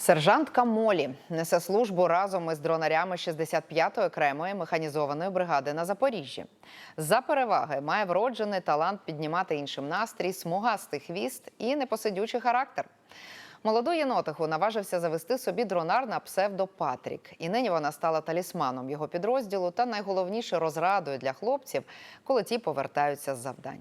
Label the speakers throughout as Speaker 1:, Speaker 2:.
Speaker 1: Сержантка Молі несе службу разом із дронарями 65-ї окремої механізованої бригади на Запоріжжі. За переваги має вроджений талант піднімати іншим настрій, смугастий хвіст і непосидючий характер. Молоду єнотиху наважився завести собі дронар на псевдо Патрік. І нині вона стала талісманом його підрозділу та найголовніше розрадою для хлопців, коли ті повертаються з завдань.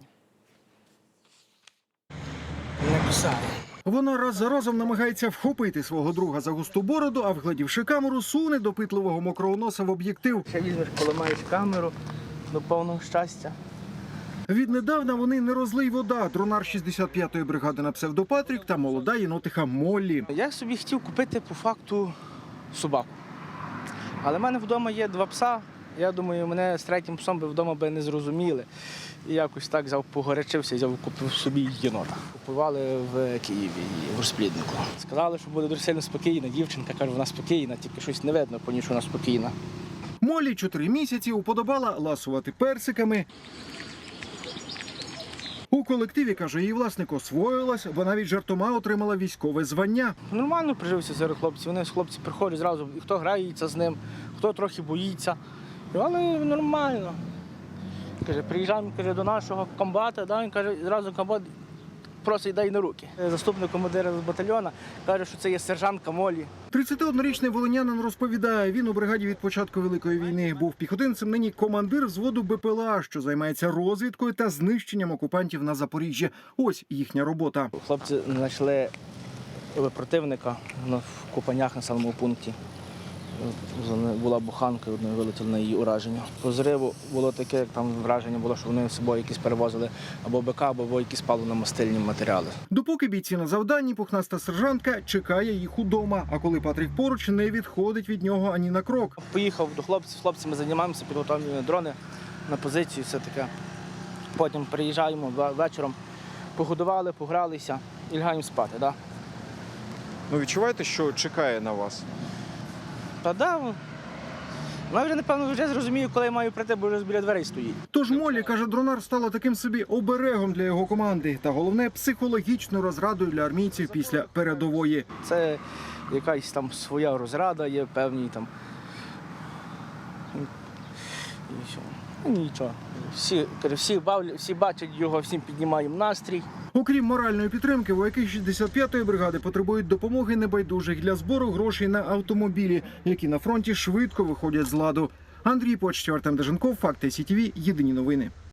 Speaker 2: Вона раз за разом намагається вхопити свого друга за густу бороду, а вгледівши камеру, суне допитливого мокрого носа в об'єктив.
Speaker 3: Ще візьмеш, поламаєш камеру до повного щастя.
Speaker 2: Віднедавна вони не розлий вода. Дронар 65-ї бригади на псевдо Патрік та молода єнотиха Моллі.
Speaker 3: Я собі хотів купити по факту собаку. Але в мене вдома є 2 пса. Я думаю, мене з 3-м псом би вдома не зрозуміли. І якось так погорячився і купив собі єнота. Купували в Києві, в розпліднику. Сказали, що буде дуже сильно спокійна. Дівчинка каже, вона спокійна, тільки щось не видно, по ній, що вона спокійна.
Speaker 2: Моллі 4 місяці уподобала ласувати персиками. У колективі, каже, її власник освоїлась, бо навіть жартома отримала військове звання.
Speaker 3: Нормально прижився серед хлопців. Вони хлопці приходять зразу, хто грається з ним, хто трохи боїться. Але нормально. Каже, приїжджаємо, каже, до нашого комбата, да, він каже, зразу комбат просить дай на руки. Заступник командира з батальйону каже, що це є сержантка Моллі.
Speaker 2: 31-річний волинянин розповідає, він у бригаді від початку Великої війни був піхотинцем, нині командир взводу БПЛА, що займається розвідкою та знищенням окупантів на Запоріжжі. Ось їхня робота.
Speaker 3: Хлопці знайшли противника в Купанях на самому пункті. Була буханка, одної вилетіла на її ураження. По зриву було таке, як там враження було, що вони з собою якісь перевозили або БК, або якісь паливно-мастильні матеріали.
Speaker 2: Допоки бійці на завданні, пухнаста сержантка чекає їх удома, а коли Патрік поруч, не відходить від нього ані на крок.
Speaker 3: Поїхав до хлопців, з хлопцями займаємося, підготовлюємо дрони на позицію, все таке. Потім приїжджаємо вечором, погодували, погралися і лягаємо спати. Да?
Speaker 4: Ну, відчуваєте, що чекає на вас?
Speaker 3: Та да, вона вже, напевно, вже зрозумію, коли я маю прийти, бо вже біля дверей стоїть.
Speaker 2: Тож Моллі, каже, дронар стала таким собі оберегом для його команди. Та головне, психологічною розрадою для армійців після передової.
Speaker 3: Це якась там своя розрада, є певні там. І все. Ну, нічого. Всі бачать його, всім піднімаємо настрій.
Speaker 2: Окрім моральної підтримки, вояки 65-ї бригади потребують допомоги небайдужих для збору грошей на автомобілі, які на фронті швидко виходять з ладу. Андрій Почтєв, Артем Деженков, Факти СІТВ, єдині новини.